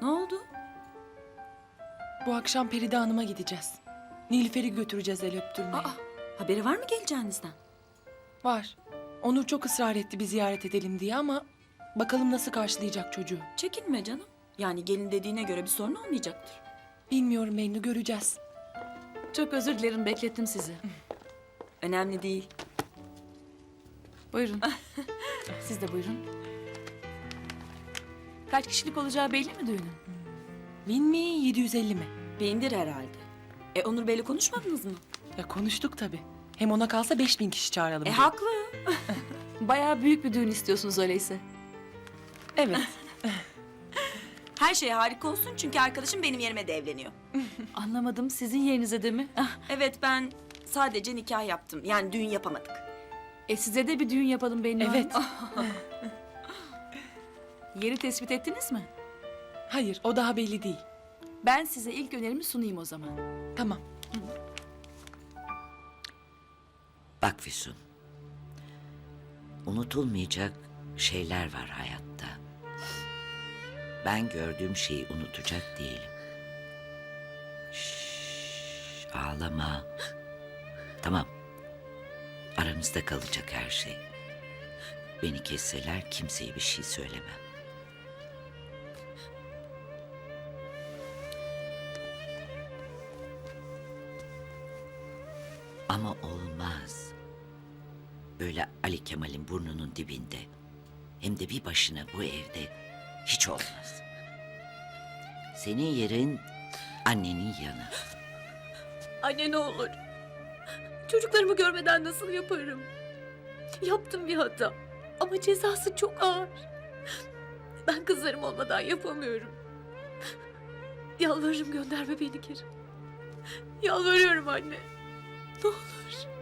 oldu? Bu akşam Peride Hanım'a gideceğiz. Nilüfer'i götüreceğiz el öptürmeye. Aa, haberi var mı geleceğinizden? Var. Onur çok ısrar etti bir ziyaret edelim diye ama... bakalım nasıl karşılayacak çocuğu. Çekinme canım. Yani gelin dediğine göre bir sorun olmayacaktır. Bilmiyorum Bennu, göreceğiz. Çok özür dilerim, beklettim sizi. Önemli değil. Buyurun. Siz de buyurun. Kaç kişilik olacağı belli mi düğünün? 1000 mi, 750 mi? Bindir herhalde. Onur Bey'le konuşmadınız mı? Ya konuştuk tabii. Hem ona kalsa 5000 kişi çağıralım diye. Haklı. Bayağı büyük bir düğün istiyorsunuz öyleyse. Evet. Her şey harika olsun çünkü arkadaşım benim yerime de evleniyor. Anlamadım, sizin yerinize de mi? Evet, ben sadece nikah yaptım. Yani düğün yapamadık. Size de bir düğün yapalım Bennu Hanım. Evet. Yeri tespit ettiniz mi? Hayır, o daha belli değil. Ben size ilk önerimi sunayım o zaman. Tamam. Bak Füsun, unutulmayacak şeyler var hayatta. Ben gördüğüm şeyi unutacak değilim. Şşş, ağlama. Tamam, aramızda kalacak her şey. Beni kesseler kimseye bir şey söylemem. Ama olmaz. Böyle Ali Kemal'in burnunun dibinde. Hem de bir başına bu evde hiç olmaz. Senin yerin annenin yanı. Anne ne olur. Çocuklarımı görmeden nasıl yaparım? Yaptım bir hata. Ama cezası çok ağır. Ben kızlarım olmadan yapamıyorum. Yalvarırım, gönderme beni geri. Yalvarıyorum anne. Ne olur.